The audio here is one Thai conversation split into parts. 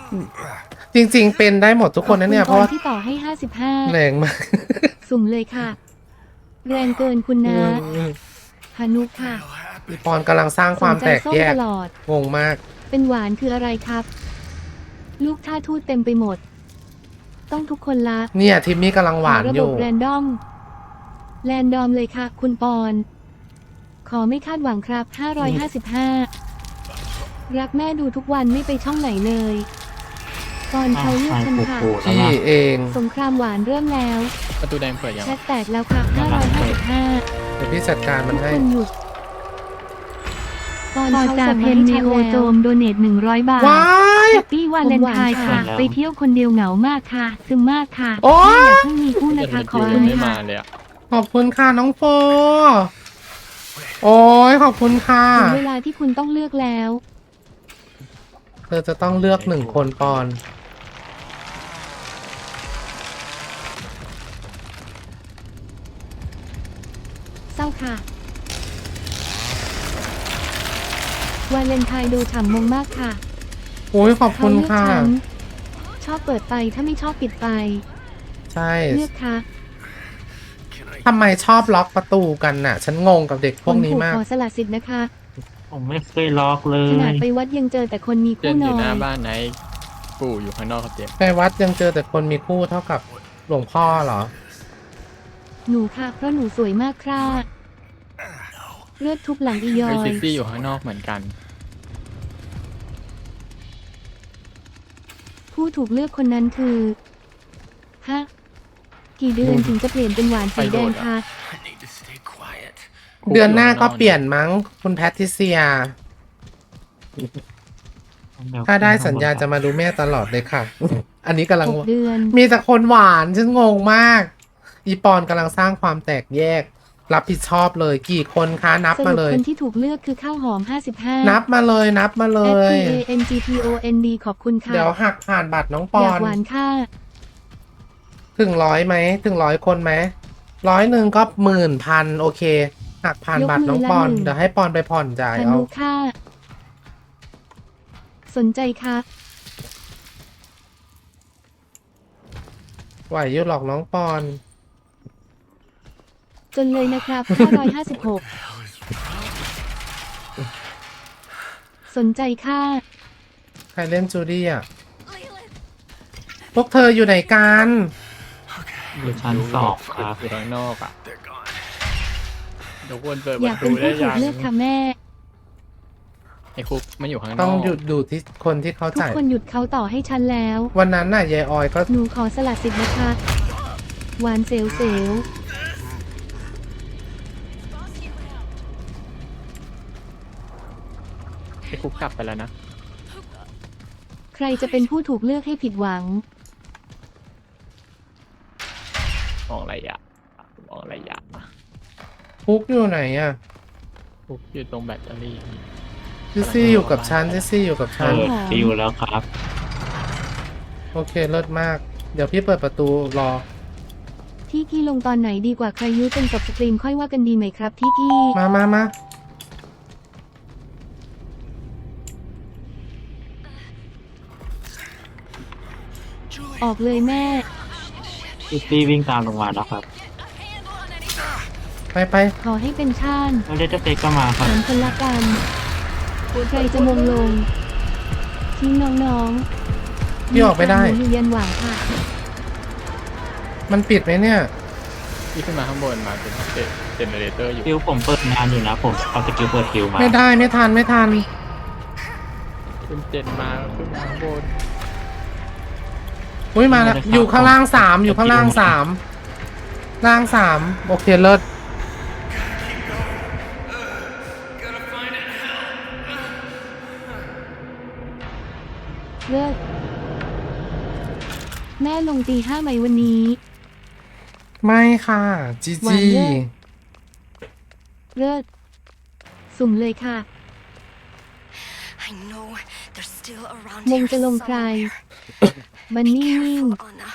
จริงๆเป็นได้หมดทุกคนนะเนี่ยเพราะว่าที่ต่อให้55 แรงมากสุ่มเลยค่ะ แรงเกินคุณนะฮานุค่ะอีปอนกำลังสร้างความแตกแยกตลอดงงมากเป็นหวานคืออะไรครับ ลูกท่าทูตเต็มไปหมด ต้องทุกคนละเนี่ยทิมมี่กำลังหวานระอบบยู่แรนดอมเลยค่ะ คุณปอน ขอไม่คาดหวังครับ 555 รักแม่ดูทุกวันไม่ไปช่องไหนเลยปอนเขาเลือกฉันค่ะพี่เองสงครามหวานเริ่มแล้วประตูแดงเปิดยังแชทแตกแล้วค่ะ 555 เดี๋ยวพี่จัดการมันให้คุณหยุดปอนพอเขาจาส่งเพมาให้นเนฉันโอแล้วโจมโดเนท100 บาทว้ายแฮปปี้วาเลนไทน์ค่ะผมหวานค่ะไปเที่ยวคนเดียวเหงามากค่ะ ซึมมากค่ะโอ้แม่อย่าเพิ่งมีคู่นะคะ ขอบยัคุงณไม่ค่ะมาเลยอ่ะขอบคุณค่ะน้องโฟโอ้ยขอบคุณค่ะถึงเวลาที่คุณต้องเลือกแล้วเธอจะต้องเลือก1 คนปอนเศร้าค่ะ วาเลนไทน์ดูฉ่ำมงมากค่ะโอ้ยขอบเขาคุณเลือกค่ะฉัน ชอบเปิดไฟถ้าไม่ชอบปิดไฟใช่เลือกค่ะทำไมชอบล็อกประตูกันน่ะ ฉันงงกับเด็กพวกนี้มากขอสละสิทธิ์นะคะผมไม่เคยล็อกเลขนาดยไปวัดยังเจอแต่คนมีเจคู่นนอยู่อหน้าน บ้านไหนปู่อยู่ข้างนอกครับเจมไปวัดยังเจอแต่คนมีคู่เท่ากับหลวงพ่อเหรอหนูค่ะ เพราะหนูสวยมากค่ะเลือดทุบหลังอียอเฮ้ยซิยซี่อยู่ข้างนอกเหมือนกันผู้ถูกเลือกคนนั้นคือฮะกี่เดือนถึงจะเปลี่ยนเป็นหวานสีแดงคะเดือนหน้าก็เปลี่ยนมั้งคุณแพทริเซีย ถ้าได้สัญญาจะมาดูแม่ตลอดเลยค่ะ อันนี้กำลัง 6 เดือนมีแต่คนหวานฉันงงมาก อีปอนกำลังสร้างความแตกแยก รับผิดชอบเลยกี่คนคะนับสมารุปเลยคนที่ถูกเลือกคือข้าวหอม 55 นับมาเลยนับมาเลย FPANGPOND ขอบคุณค่ะเดี๋ยวหักผ่านบัตรน้องปอยอากนหวานค่ะถึง100ไหมถึง100 คนไหม100ก็10,000โอเค หักผ่านบัตรน้องปอนยกมือละ1 เดี๋ยวให้ปอนไปผ่อนจ่ายพาเอานุค่ะ สนใจค่ะไหวอยู่หรอกน้องปอนจนเลยนะครับ 556 สนใจค่ะใครเล่นจูดี้อ่ะ พวกเธออยู่ไหนกันอยู่ชั้น2ครับอยู่ข้างนอกอ่ะเดี๋ยวคนเปิดปอยาระกเป็ตูนได้ผู้ถูยักงเลือกค่ะแม่ไอ้คุกมันอยู่ข้างนอกต้องหยุดดูที่คนที่เขาทุกจ่ายคนหยุดเขาต่อให้ฉันแล้ววันนั้นน่ะยายออยก็หนูขอสละสิทธิ์นะคะ หวานเซลเซลไอ้คุกกลับไปแล้วนะใครจะเป็นผู้ถูกเลือกให้ผิดหวังมองอะไรอ่ะมองอะไรอ่ะฟุกอยู่ไหนอ่ะคุกอยู่ตรงแบตเตอรี่ซิซี่อยู่กับฉันซิซี่อยู่กับฉันเปิดฟิวแล้วครับโอเคเลิศมาก เดี๋ยวพี่เปิดประตูรอที่กี้ลงตอนไหนดีกว่าใครยุ้ยเป็นกับสตรีมค่อยว่ากันดีไหมครับที่กี้มาออกเลยแม่ซิตี้วิ่งตามลงมาแล้วครับไปขอให้เป็นชาติแล้วเดตเตก็มาครับถามคนละกันใครจะมงลง ทิ้งน้องๆพี่ออกไม่ได้หนูอยู่ยันหว่างค่ะมันปิดไหมเนี่ยที่ขึ้นมาข้างบนมาเป็นเจเนเรเตอร์อยู่ฟิวผมเปิดงานอยู่นะ ผมเอาสกิลเปิดฟิวมาไม่ได้ไม่ทันขึ้นเจนมาขึ้นมาข้างบนอุ้ยมาแล้วอยู่ข้างล่าง3อยู่ข้างล่างล่าง3โอเคเลิศเลิกแม่ลงตี 5ไหมวันนี้ไม่ค่ะจีหวานจีเลิศ เลิกสุ่มเลยค่ะ I know they're still around มง here จะลงใคร somewhere. มันนิ่ง Careful, Anna.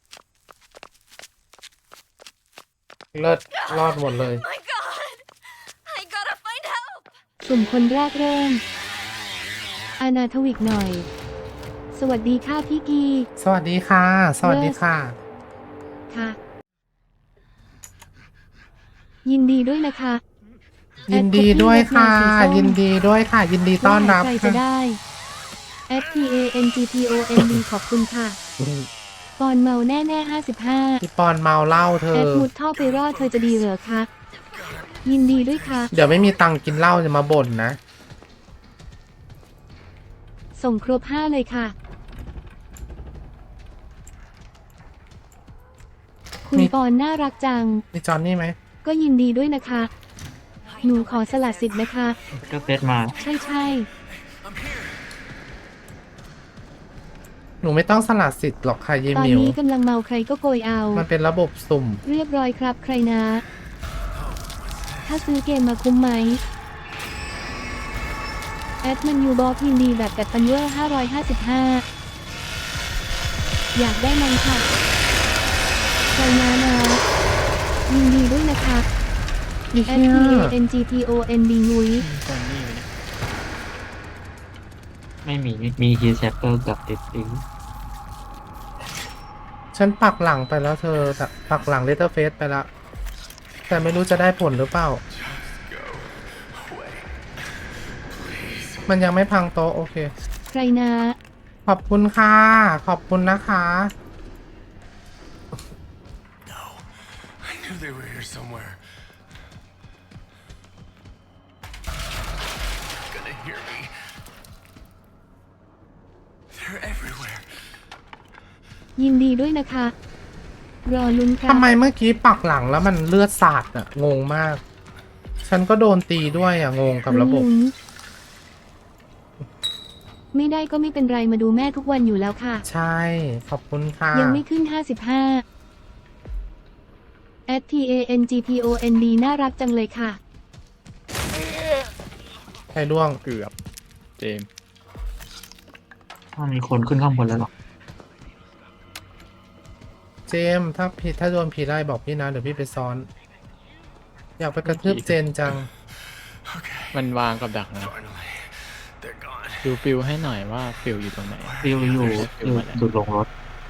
เลิศรอดหมดเลย My God! สุ่มคนแรกเริ่ม อาณาทวิกหน่อย สวัสดีค่ะพี่กีสวัสดีค่ะ สวัสดีค่ะค่ะ ยินดีด้วยนะคะยินดีด้วยค่ะ ยินดีด้วยค่ะ ยินดีต้อนรับใครจะค่ะได้ @TANGPOND ขอบคุณค่ะ ปอนเมาแน่ๆ55 พี่ปอนเมาเหล้าเธอมุดท่อไปรอดเธอจะดีเหรอคะ ยินดีด้วยค่ะเดี๋ยวไม่มีตังค์กินเหล้าจะมาบ่นนะส่งครบ5เลยค่ะ คุณมีปอนน่ารักจังมีจอนนี่ไหมก็ยินดีด้วยนะคะ หนูขอสละสิทธิ์นะคะก็เซตมาใช่หนูไม่ต้องสละสิทธิ์หรอกค่ะเยๆ ตอนมิวนี้กำลังเมาใครก็โกยเอามันเป็นระบบสุ่มเรียบร้อยครับใครนะ ถ้าซื้อเกมมาคุ้มไหม มันยูบอกยินดีแบบกัดปันเวอร์555 อยากได้มันค่ะใครนะยินดีด้วยนะคะอีเหี้ย TANGPOND นุ้ยตอนนี้เนี่ยไม่มีฮีแชปเปอร์กับติดติ้งฉันปักหลังไปแล้วเธอแต่ปักหลังเลเตอร์เฟสไปแล้ว แต่ไม่รู้จะได้ผลหรือเปล่า มันยังไม่พังโต๊ะโอเคใครนะขอบคุณค่ะ ขอบคุณนะคะ No, I knew they were here somewhere. They're gonna hear me. They're everywhere. ยินดีด้วยนะคะ รอลุ้นครับทำไมเมื่อกี้ปักหลังแล้วมันเลือดสาดอะงงมาก ฉันก็โดนตีด้วยอะงงกับระบบลุ้นไม่ได้ก็ไม่เป็นไรมาดูแม่ทุกวันอยู่แล้วค่ะใช่ ขอบคุณค่ะยังไม่ขึ้น 55 @TANGPOND น่ารักจังเลยค่ะใครร่วงเกือบเจมส์ถ้ามีคนขึ้นข้างบนแล้วหรอเจมส์ถ้าโดนผีไล่บอกพี่นะ เดี๋ยวพี่ไปซ้อน อยากไปกระทืบเจนจัง Okay, มันวางกับดักนะ finally, they're gone. ดูฟิลให้หน่อยว่าฟิลอยู่ตรงไหนฟิลอยู่จุดลงรถ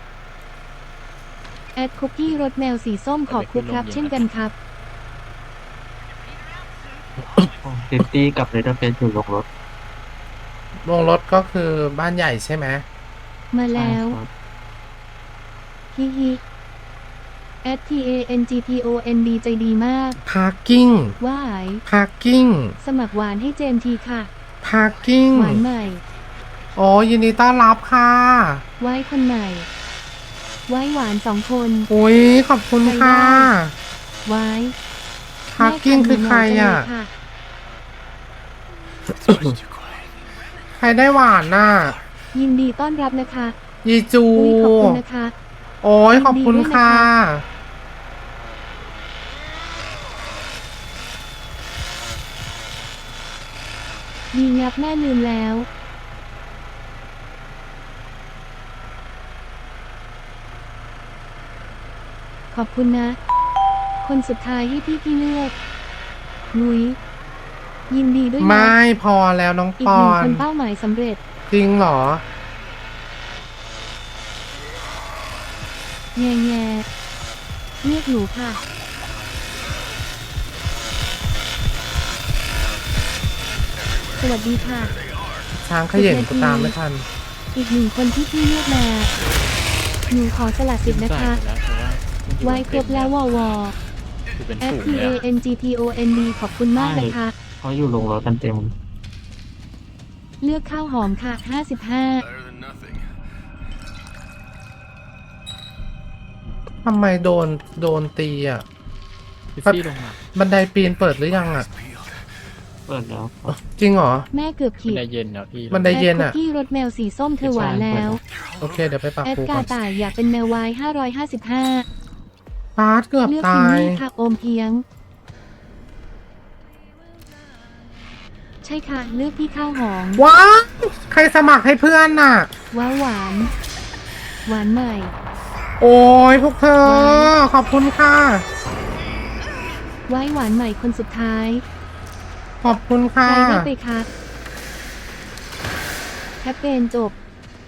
คุกกี้รสแมวสีส้มขอบคุณครับ เช่นกันครับติดตี้กับเลเตอร์เฟสจุดลงรถลงรถก็คือบ้านใหญ่ใช่ไหมมาแล้วครับฮิฮิ @TANGPOND ใจดีมากพาร์กิ้งว่ายพาร์กิ้งสมัครหวานให้เจมส์ทีค่ะพาร์กิ้งหวานใหม่โอ้ยินดีต้อนรับค่ะไว้คนใหม่ ไว้หวาน2 คนอุ้ยขอบคุณค่ะไว้พาร์กิ้งคือใครอ่ะแม่ค่ะ It's much too quiet. ใครได้หวานน่ะยินดีต้อนรับนะคะยีจูอุ้ยขอบคุณนะคะโอ้ยขอบคุณค่ะดีงับแม่ลืมแล้ว ขอบคุณนะ คนสุดท้ายให้พี่เลือกนุ้ยยินดีด้วยนะไม่พอแล้วน้องอีปกอ 1 คนนเป้าหมายสำเร็จจริงเหรอแง่แง่เรียกหนูค่ะ สวัสดีค่ะช้างเขย่งกูตามไม่ทันอีก1 คนที่พี่เลือกมา หนูขอสละสิทธิ์นะคะใส่ไปแล้วเพราะว่าไว้ครบแล้ววอวอคือเป็นฝูงเลยอะ FTANGPOND ขอบคุณมากนะคะเขาอยู่ลงรถกันเต็มเลือกข้าวหอมค่ะ 55 Better than nothing. ทำไมโดนตีอ่ะพิซซี่ลงมาบันไดปีนเปิดหรือยังอ่ะ Peeled. เปิดแล้วครับจริงเหรอแม่เกือบบัขีนดไดเย็นแล้วพี่บันไดเย็นอ่ะคุกกี้รสแมวสีส้มเธอหวานแล้วโอเค เดี๋ยวไปปักแอดปูกาก่อนต่ายอยากเป็นแมววาย555 ปาร์ตเกือบเลือกตาพิมยมี่ค่ะ โอมเพียง ใช่ค่ะ เลือกพี่ข้าวหอมว้าวใครสมัครให้เพื่อนน่ะว้าวหวาน หวานใหม่โอ้ยพวกเธอ ขอบคุณค่ะไว้หวานใหม่คนสุดท้ายขอบคุณใครค่ะได้ไปคะแคปเปญจบ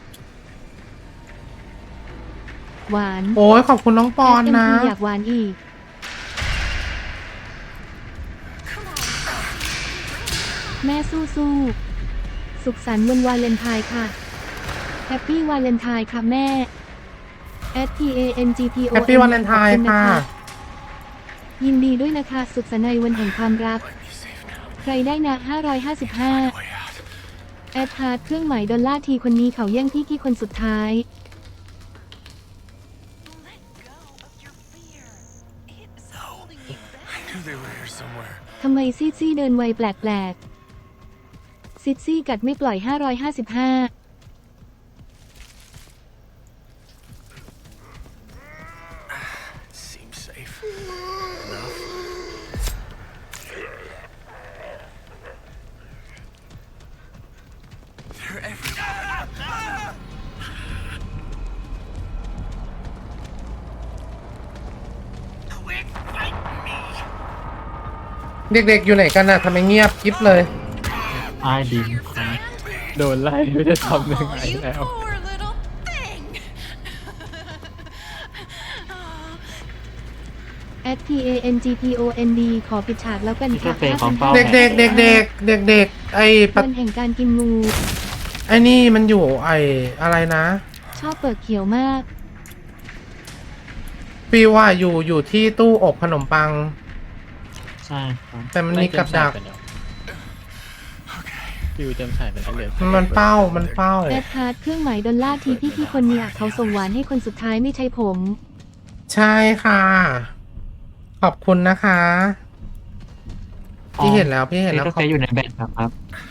หวานโอ้ยขอบคุณน้องปอนนะ SMT อยากหวานอีก แม่สู้สุขสันต์วันวาเลนไทน์ค่ะแฮปปี้วาเลนไทน์ค่ะแม่ @PANGPO Happy Valentine ค่ะยินดีด้วยนะคะ สุขสันต์ในวันแห่งความรัก Let me safe now. ใครได้นะ 555 Way out. แอดฮาร์ดเครื่องหมายดอลลาร์ทีคนนี้เขาแย่งพี่คนสุดท้าย I knew they were here somewhere. ทำไมซีดซี่เดินไวแปลกๆซิดซี่กัดไม่ปล่อย 555 Seems safe. Enough. They're everywhere. เด็กๆอยู่ไหนกันน่ะทำไมเงียบกิ๊บเลยใต้ดินครับโดนไล่ไม่ได้ทำยังไง Oh, you แล้ว poor little thing. @PANGPOND ขอปิดฉากแล้วกันนี่ก็ค่ะเฟย์ของเป้าเด็กๆเด็กๆไอ้ปะวันแห่งการกินงูไอ้นี่มันอยู่ไอ้อะไรนะชอบเปิดเขียวมากฟิวว่าอยู่ที่ตู้อบขนมปังใช่ครับแต่มันมีกับดักฟิวเต็มใส่ไปแล้วเหลือมันเป้าแอดฮาร์ดเครื่องหมายดอลลาร์ทีพี่คนเนี่ยเขาส่งหวานให้คนสุดท้ายไม่ใช่ผมใช่ค่ะ ขอบคุณนะคะ พี่เห็นแล้วนี่ขก็อบเฟย์อยู่ในแบตครับ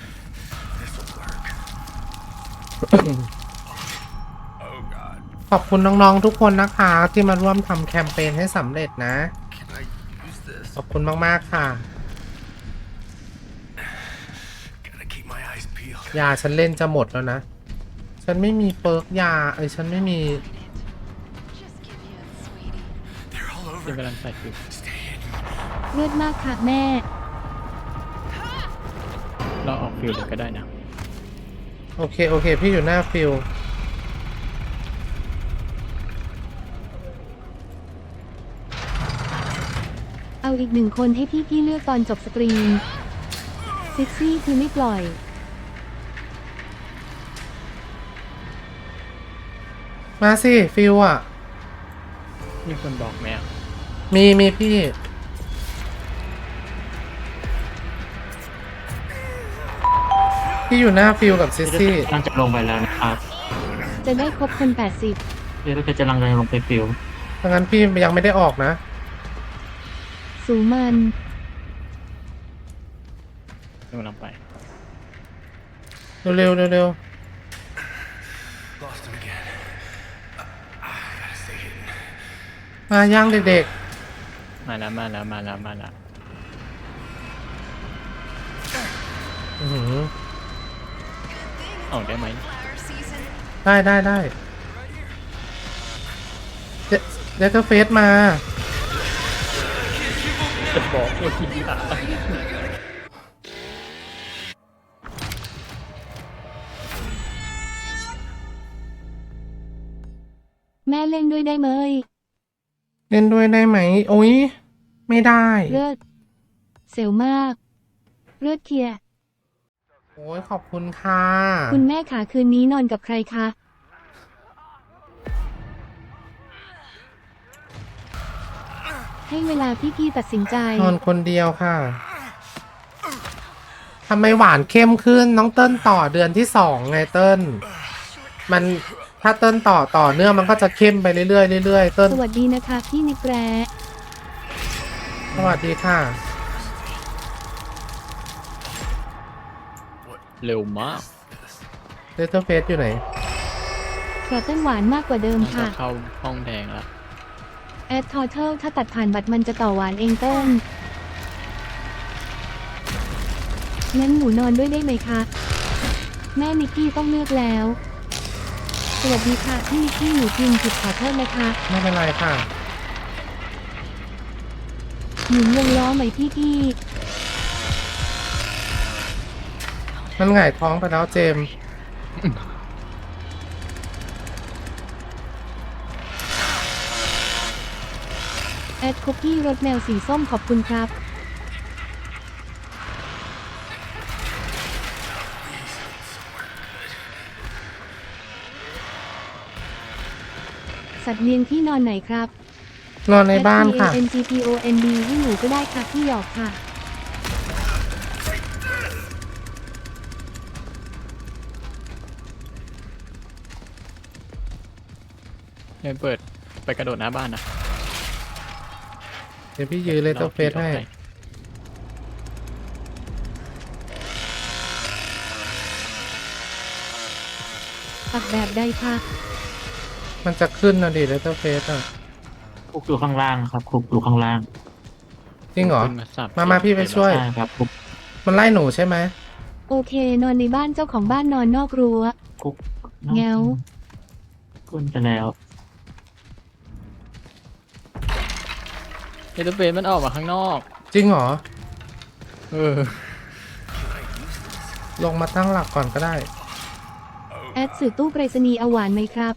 This'll work. Oh God. ขอบคุณน้องๆทุกคนนะคะ ที่มาร่วมทำแคมเปญให้สำเร็จนะ Can I use this? ขอบคุณมากๆค่ะ Gotta keep my eyes peeled. ยาฉันเล่นจะหมดแล้วนะ ฉันไม่มีเปิร์กยาฉันไม่มี They're all ฟิว over. กำลังใส่ฟิว Stay hidden. เลือดมากค่ะแม่เราออกฟิวเลยก็ได้นะโอเค พี่อยู่หน้าฟิลเอาอีกหนึ่งคนให้พี่เลือกตอนจบสตรีมซิกซี่คือไม่ปล่อยมาสิฟิลอ่ะมีคนบอกไหมอ่ะมีพี่ พี่อยู่หน้าฟิลกับซิสซี่กำลังจะลงไปแล้วนะครับจะได้ครบคนนี่ก็จะกำลังจะลงไปฟิวดังนั้นพี่ยังไม่ได้ออกนะ 80 สูมันกำลังไปเร็ว Lost him again. Gotta stay hidden. มาย่างเด็กมาแล้วๆอื้อหือออกได้ไหม Flower season. ได้เดตเฟสมาจะบอกว่าทีหลังแม่เล่นด้วยได้ไหมเล่นด้วยได้ไหม โอ้ยไม่ได้เลือดเซลมาก เลือดเคลียร์โอ้ยขอบคุณค่ะคุณแม่ขาคืนนี้นอนกับใครคะ ให้เวลาพี่ตัดสินใจนอนคนเดียวค่ะทำไมหวานเข้มขึ้นน้องเติ้ลต่อเดือนที่2ไงเติ้ลมันถ้าเติ้ลต่อเนื่องมันก็จะเข้มไปเรื่อยๆเรื่อยๆเติ้ลสวัสดีนะคะพี่นิกแร้สวัสดีค่ะเร็วมากเดตเฟสอยู่ไหนกระเต้นหวานมากกว่าเดิมมันจะค่ะเข้าห้องแดงแล้วแอดทอเทิลถ้าตัดผ่านบัตรมันจะต่อหวานเองเต้นงั้นหนูนอนด้วยได้ไหมคะ แม่นิกกี้ต้องเลือกแล้ว สวัสดีค่ะพี่นิกกี้หนูพิมพ์ผิดขอโทษนะคะไม่เป็นไรค่ะหมุนวงล้อไหมพี่กี้มันหงายท้องไปแล้วเจมส์แอดคุกกี้รสแมวสีส้มขอบคุณครับ สัตว์เลี้ยงที่นอนไหนครับนอนในบ้านค่ะ N G P O N D ให้หนูก็ได้ค่ะที่หยอกค่ะเดี๋ยวเปิดไปกระโดดหน้าบ้านนะเดี๋ยวพี่ยืนเลเตอร์เฟสให้ปักแบบใดคะมันจะขึ้นนะดิเลเตอร์เฟสอ่ะคุกอยู่ข้างล่างครับคุกอยู่ข้างล่างจริงเหรอขึ้นมาสับมาพี่ไปช่วยใช่ครับคุกมันไล่หนูใช่ไหมโอเคนอนในบ้านเจ้าของบ้านนอนนอกรั้วคุกแง้วขึ้นไปแล้วเอเดอร์เฟสมันออกมาข้างนอกจริงเหรอเออลงมาตั้งหลักก่อนก็ได้แอดสื่อตู้ไปรษณีย์เอาหวานไหมครับ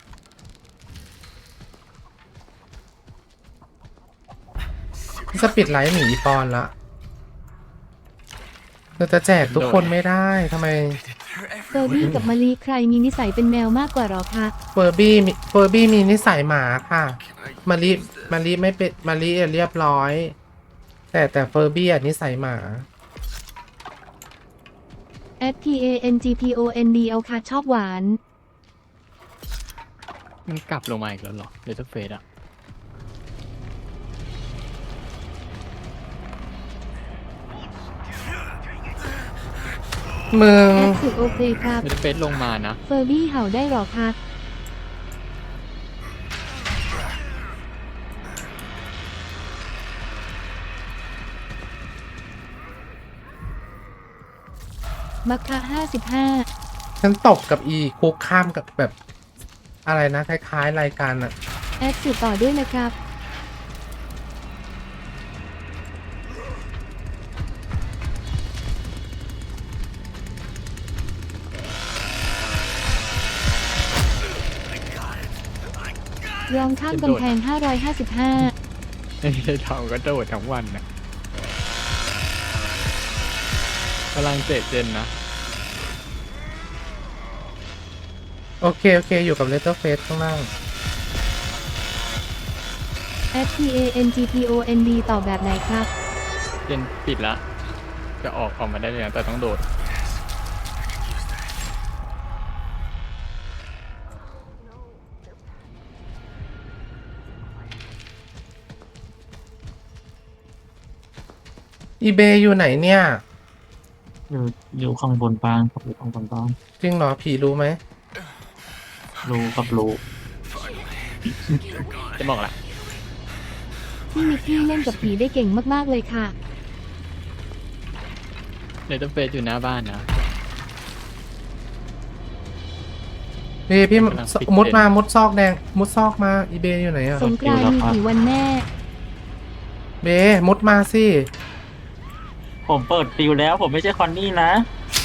จะปิดไลฟ์หนีปอนละเราจะแจกทุกคนไม่ได้ทำไมเฟอร์บี้กับมะลิใครมีนิสัยเป็นแมวมากกว่าหรอคะเฟอร์บี้มีนิสัยหมาค่ะมารีไม่เป็นมารีเรียบร้อย แต่เฟอร์บี้อะนิสัยหมาแอด P A N G P O N D เอาค่ะชอบหวานมันกลับลงมาอีกแล้วเหรอเอเดอร์เฟสอะมึงแอดสื่อโอเคครับเอเดอร์เฟสลงมานะเฟอร์บี้เห่าได้หรอคะมักคะ55 ฉันตบกับอีคุกข้ามกับแบบอะไรนะคล้ายๆรายการอะแอดสื่อต่อด้วยนะครับ รองข้ามกำแพง 555 ไม่ใช่ทำก็โดดทั้งวันนะกำลังเตะเจนนะโอเคอยู่กับเลเตอร์เฟสข้างล่าง S P A N G P O N D ต่อแบบไหนครับเจนปิดละ จะออกมาได้เลยนะแต่ต้องโดดอีเบย์อยู่ไหนเนี่ยอยู่ข้างบนบ้านครับอยู่ข้างบนบ้านจริงเหรอผีรู้ไหมรู้ครับรู้จะบอกละที่นิกกี้เล่นกับผีได้เก่งมากๆเลยค่ะเอเดอร์เฟสอยู่หน้าบ้านนะพี่กำลังปิดมุดซอกแดง มุดซอกมาอีเบย์อยู่ไหนอะสงกรานต์มีกี่วันแน่เบย์มุดมาสิผมเปิดฟิวแล้ว ผมไม่ใช่คอนนี่นะ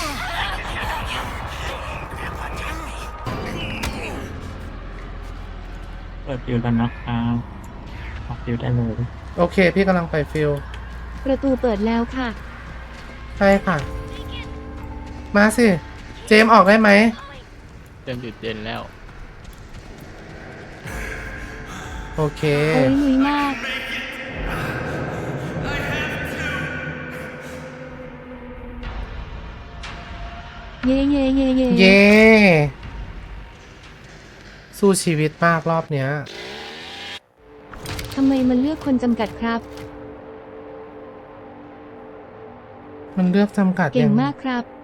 เปิดฟิวแล้วนะครับออกฟิวได้เลยโอเค พี่กำลังไปฟิลประตูเปิดแล้วค่ะใช่ค่ะ มาสิ เจมส์ออกได้ไหมเจนหยุดเจนแล้วโอเคโอ้ยนุ้ยมาก เย่เย่เย่เย่เย้ สู้ชีวิตมากรอบเนี้ยทำไมมันเลือกคนจำกัดครับมันเลือกจำกัดเก่งยังมากครับ